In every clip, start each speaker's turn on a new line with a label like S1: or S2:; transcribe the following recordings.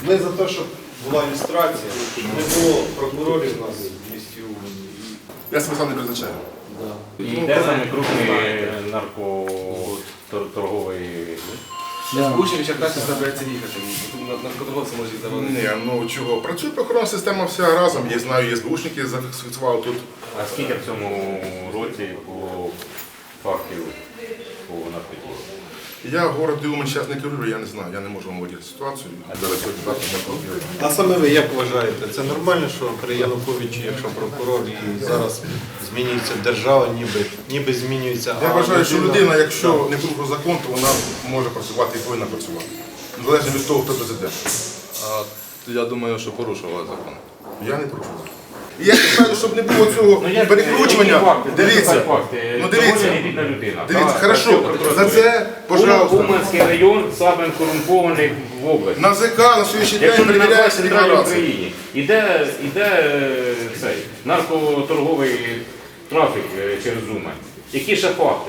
S1: Ми за те, щоб була ілюстрація, щоб не було прокурорів у нас в місті Умані.
S2: Я себе сам не призначаю.
S3: І де саме крупний наркоторговий?
S4: Учень Черкасі збирається їхати. Наркоторговці можуть завалити.
S2: Ні, ну чого? Працює прохоронна система вся разом. Я знаю, є СБУшники, зафіксували тут.
S3: А скільки в цьому році було фактів по наркотику?
S2: Я город Умань зараз не керую, я не знаю, я не можу вам виділити ситуацію. Зараз сьогодні завтра можна говорити.
S1: А саме ви як вважаєте, це нормально, що при Януковичі, якщо прокурор і зараз змінюється держава, ніби змінюється...
S2: Я вважаю, що людина, якщо не порушує закон, то вона може працювати і повинна працювати. Незалежно від того, хто президент.
S4: Я думаю, що порушували закон.
S2: Я не порушую. І я кажу, щоб не було цього перекручування. Дивіться, ну дивіться. Дивіться, хорошо, за це, пожалуйста.
S3: Уманський район самий корумпований в області.
S2: На ЗК на сьогоднішній день перевіряється декларація.
S3: Іде цей наркоторговий трафік через Умань. Які ще факти?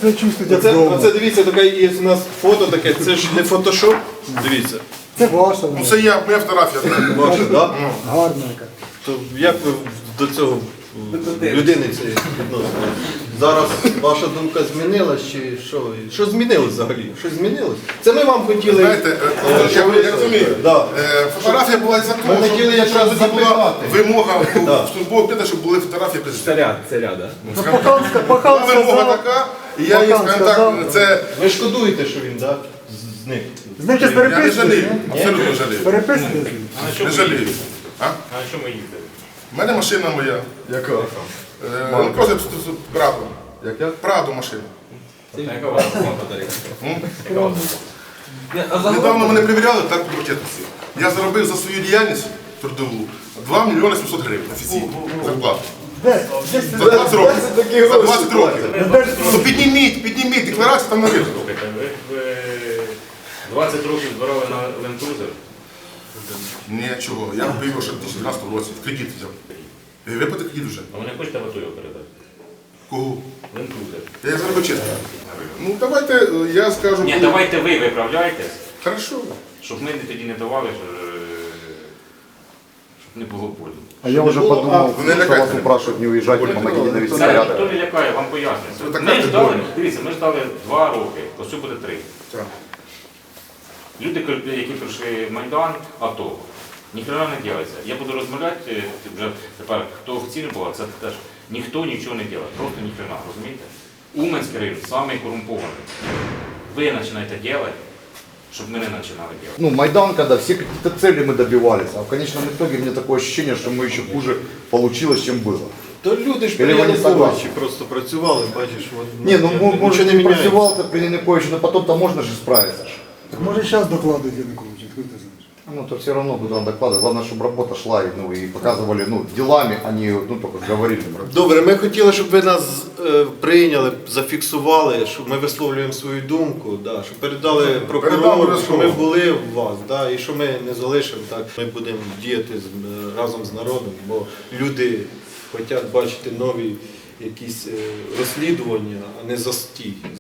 S1: Оце дивіться, таке є у нас фото таке, це ж не фотошоп, дивіться.
S5: Це ваша.
S2: Ну це моя фотографія.
S1: Ваше, так?
S5: Гарна яка.
S1: То як ви до цього людини цієї відносите? Зараз ваша думка змінилась чи що? Що змінилось взагалі? Щось змінилось? Це ми вам хотіли...
S2: Знаєте, я розумію,
S1: Да.
S2: фотографія була за
S1: Ми
S2: того,
S1: хотіли
S2: щоб
S1: якраз
S2: тоді була
S1: запитати.
S2: вимога в службового піде, щоб були фотографії президента.
S4: Царя, так?
S5: Ну, Пахан
S2: Була вимога
S5: сказав,
S2: така, і я їй скажу так, це...
S1: Ви шкодуєте, що він, так? Зник.
S5: знаєте, з
S2: Я не жалію,
S5: переписки.
S2: абсолютно не жалію.
S5: Переписки.
S2: Не жалію. А?
S3: А на чому їздили?
S2: У мене машина моя.
S1: Яка?
S2: Ну, просто Прадо.
S1: Яка?
S2: Прадо машина.
S3: Яка у вас подарунок? Яка у вас?
S2: Недавно мене перевіряли так по ракетниці. Я заробив за свою діяльність трудову 2 мільйони 700 гривень офіційно зарплату.
S5: Де?
S2: За 20 років. За 20 років. Ну підніміть, декларацію там написано.
S3: Слухайте, ви 20 років збирали на Ленд-Крузер?
S2: Нічого, я купив його ще в 2012 році, в кредит взяв. Виплати кредит вже.
S3: А ви не хочете в АТО його передати?
S2: Кого?
S3: Ленд-Крузер.
S2: Я зробив чесно. Ну давайте я скажу.
S3: Ні, давайте ви виправляйтесь,
S2: Хорошо.
S3: щоб ми тоді не давали, щоб не було болю.
S6: А я уже подумал,
S2: Вы не
S6: что вас
S2: лякайте.
S6: упрашивают не уезжать, помогите навести
S3: Це ніхто
S6: порядок.
S3: не лякає, вам пояснюється.
S2: Ну, так
S3: Ми
S2: як
S3: ждали,
S2: больно.
S3: дивіться, ми ждали 2 роки, ось це буде 3.
S2: Так.
S3: Люди, які пройшли Майдан, АТО, ніхто не ділиться. Я буду розмовляти вже тепер, хто офіційно був, це теж ніхто нічого не робить, просто ніхрена, розумієте? Уманський район самий корумпований. Ви починаєте робити, щоб ми не починали робити.
S6: Ну, Майдан, когда все какие-то цели мы добивались, а в конечном итоге мне такое ощущение, что мы еще хуже получилось, чем было.
S1: То люди ж при
S6: Или ви не
S1: Януковичі
S6: согласні?
S1: просто працювали, бачиш, от,
S6: Не, ну может
S1: нічого
S6: не
S1: не міняється.
S6: прозевал-то при Януковиче, но потом-то можно же справиться.
S5: Так може зараз докладують Януковича, хто ти знаєш?
S6: Ну, то все равно куда докладывать. Главное, чтобы работа шла, ну, и показывали, ну, делами, а не, ну, только говорили.
S1: Добре, ми хотіли, щоб ви нас прийняли, зафіксували, щоб ми висловлюємо свою думку, да, щоб передали прокурору, що
S2: обов'язково.
S1: ми були в вас, да, і що ми не залишимо так. Ми будемо діяти разом з народом, бо люди хочуть бачити нові якісь розслідування, а не застій.